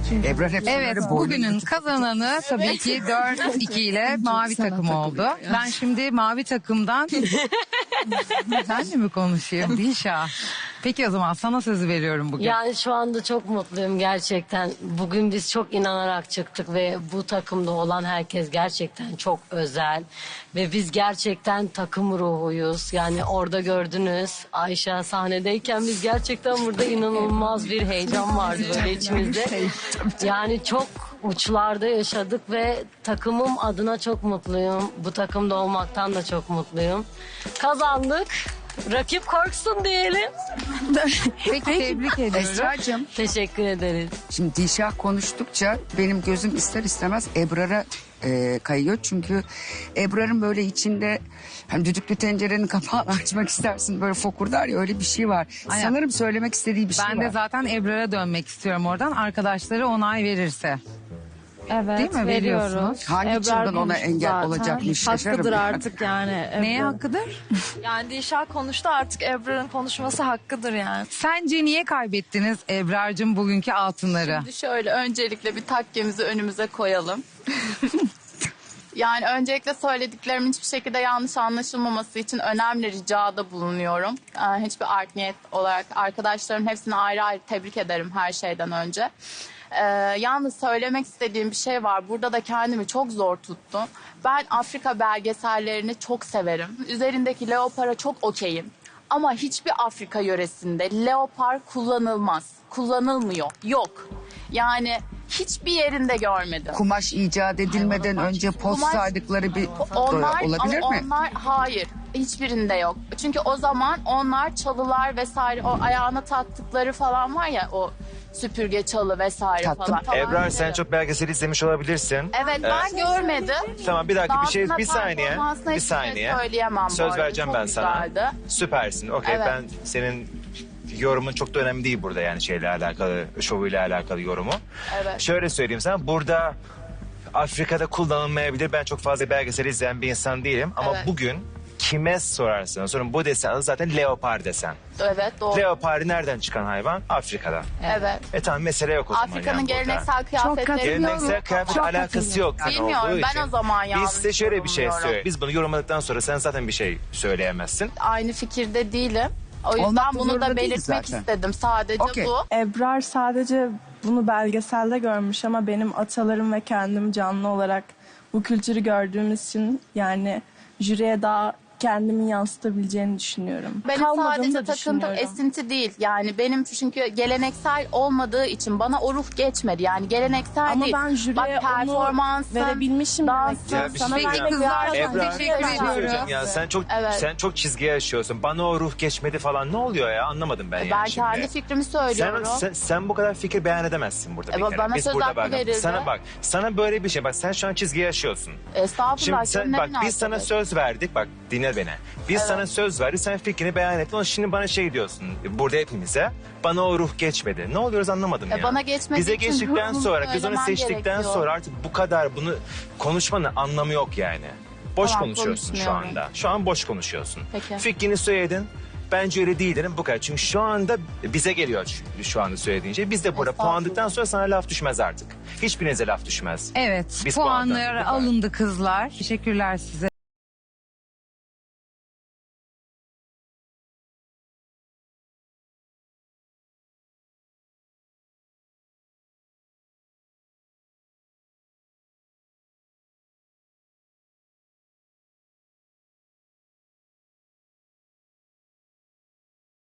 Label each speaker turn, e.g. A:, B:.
A: Ebrar hep
B: Evet, bugünün kazananı tabii ki 4-2 ile mavi takım oldu. Ben şimdi mavi takımdan... Senle mi konuşayım Dilşah? Peki o zaman sana sözü veriyorum bugün.
C: Yani şu anda çok mutluyum gerçekten. Bugün biz çok inanarak çıktık ve bu takımda olan herkes gerçekten çok özel. Ve biz gerçekten takım ruhuyuz. Yani orada gördünüz Ayşe sahnedeyken biz gerçekten burada inanılmaz bir heyecan vardı böyle içimizde. Yani çok uçlarda yaşadık ve takımım adına çok mutluyum. Bu takımda olmaktan da çok mutluyum. Kazandık. Rakip korksun diyelim.
B: Peki tebrik ediyorum.
A: Esra'cığım,
C: Teşekkür ederiz.
A: şimdi Dilşah konuştukça benim gözüm ister istemez Ebrar'a kayıyor. Çünkü Ebrar'ın böyle içinde hani düdüklü tencerenin kapağını açmak istersin böyle fokurdar ya, öyle bir şey var.
B: Aynen.
A: Sanırım söylemek istediği bir şey
B: Ben
A: var.
B: de zaten Ebrar'a dönmek istiyorum oradan. Arkadaşları onay verirse.
D: Evet,
B: Değil mi?
D: veriyoruz.
B: Veriyorsunuz.
A: Hangi
D: Ebrar
A: çılgın ona
D: konuştu
A: engel
D: zaten.
A: olacakmış, şaşarım
D: Hakkıdır
A: yani.
D: artık yani.
B: Neye
D: Ebrar.
B: hakkıdır?
D: Yani Dilşah konuştu, artık Ebrar'ın konuşması hakkıdır yani.
B: Sence niye kaybettiniz Ebrar'cığım bugünkü altınları?
E: Şimdi şöyle öncelikle bir takkemizi önümüze koyalım. Yani öncelikle söylediklerimin hiçbir şekilde yanlış anlaşılmaması için önemli ricada bulunuyorum. Hiçbir art niyet olarak arkadaşlarım hepsini ayrı ayrı tebrik ederim her şeyden önce. Yalnız söylemek istediğim bir şey var. Burada da kendimi çok zor tuttum. Ben Afrika belgesellerini çok severim. Üzerindeki leopara çok okeyim. Ama hiçbir Afrika yöresinde leopar kullanılmaz. Kullanılmıyor. Yok. Yani hiçbir yerinde görmedim.
A: Kumaş icat edilmeden önce post
E: Kumaş-
A: saydıkları bir
E: Onlar,
A: olabilir
E: ama
A: mi?
E: onlar hayır. Hiçbirinde yok. Çünkü o zaman onlar çalılar vesaire, o ayağına taktıkları falan var ya, o süpürge çalı vesaire
A: Taktım.
E: falan.
F: Ebrar sen çok belgesel izlemiş olabilirsin.
E: Evet, ben görmedim.
F: Tamam bir dakika
E: Dansına,
F: bir saniye.
E: performansına
F: Bir
E: hiçbir şey
F: saniye.
E: söyleyemem bu
F: Söz
E: arada.
F: vereceğim
E: Çok
F: ben sana.
E: güzeldi.
F: Süpersin. Okey
E: Evet.
F: ben senin yorumun çok da önemli değil burada yani şeyle alakalı, şovuyla alakalı yorumu.
E: Evet.
F: Şöyle söyleyeyim sana burada Afrika'da kullanılmayabilir. Ben çok fazla belgesel izleyen bir insan değilim ama
E: Evet.
F: bugün kime sorarsanız sorun bu desen adı zaten leopar desen.
E: Evet, doğru.
F: Leopar nereden çıkan hayvan? Afrika'da.
E: Evet.
F: Tamam mesele yok o zaman
E: Afrika'nın
F: yani burada.
E: geleneksel kıyafetleri
F: Geleneksel kıyafet alakası yok. Yani
E: Bilmiyorum,
F: olduğu
E: ben
F: için.
E: o zaman yanlış
F: Biz size şöyle bir şey
E: yorumluyorum.
F: söyleyeyim. Biz bunu yorumladıktan sonra sen zaten bir şey söyleyemezsin.
E: Aynı fikirde değilim. O yüzden
A: Olmak da
E: bunu
A: zorunda
E: da
A: değil
E: belirtmek
A: zaten.
E: istedim. Sadece
A: Okey.
E: bu.
G: Ebrar sadece bunu belgeselde görmüş ama benim atalarım ve kendim canlı olarak bu kültürü gördüğümüz için yani jüriye daha kendimi yansıtabileceğini düşünüyorum.
E: Benim
G: Kalmadığını
E: sadece
G: da
E: takıntım
G: düşünüyorum.
E: esinti değil. Yani benim çünkü geleneksel olmadığı için bana o ruh geçmedi. Yani geleneksel
G: Ama
E: değil.
G: ben jüriye
E: Bak,
G: onu
E: performansın,
G: verebilmişim
E: dansın.
G: demek
F: Ya bir
G: ki.
F: şey
G: Sana
F: diyeceğim.
G: vermek
B: Kızlar,
G: lazım.
F: Ebrar
B: teşekkür
F: bir şey
B: ediyorum.
F: söyleyeceğim ya
E: Evet.
F: sen çok çizgiye yaşıyorsun. Bana o ruh geçmedi falan ne oluyor ya anlamadım ben
E: Ben
F: yani şimdi.
E: kendi fikrimi söylüyorum.
F: Sen bu kadar fikir beyan edemezsin burada bir
E: Bana
F: kere. Biz
E: söz
F: burada
E: hakkı
F: bak.
E: verildi.
F: Sana böyle bir şey bak sen şu an çizgiye yaşıyorsun.
E: Estağfurullah.
F: Şimdi sen,
E: canım, ne
F: bak biz sana
E: münasebet.
F: söz verdik bak dinle beni. Biz sana söz verdik sen fikrini beyan ettin. Ama şimdi bana şey diyorsun burada hepimize bana o ruh geçmedi. Ne oluyoruz anlamadım ya.
E: Bana geçmediği
F: Bize
E: için
F: geçtikten
E: ruhumu
F: sonra biz onu
E: söylemen
F: seçtikten
E: gerekiyor.
F: sonra artık bu kadar bunu konuşmanın anlamı yok yani. Boş
E: Tamam,
F: konuşuyorsun şu
E: konuşmuyorum.
F: anda. Şu an boş konuşuyorsun.
E: Peki.
F: Fikrini söyledin. Bence öyle değil dedim bu kadar. Çünkü şu anda bize geliyor şu anda söylediğin şey. Biz de burada
E: Estağfurullah.
F: puanladıktan sonra sana laf düşmez artık. Hiçbirinize laf düşmez.
B: Evet,
F: Biz
B: puanlar
F: puanladık.
B: alındı kızlar. Teşekkürler size.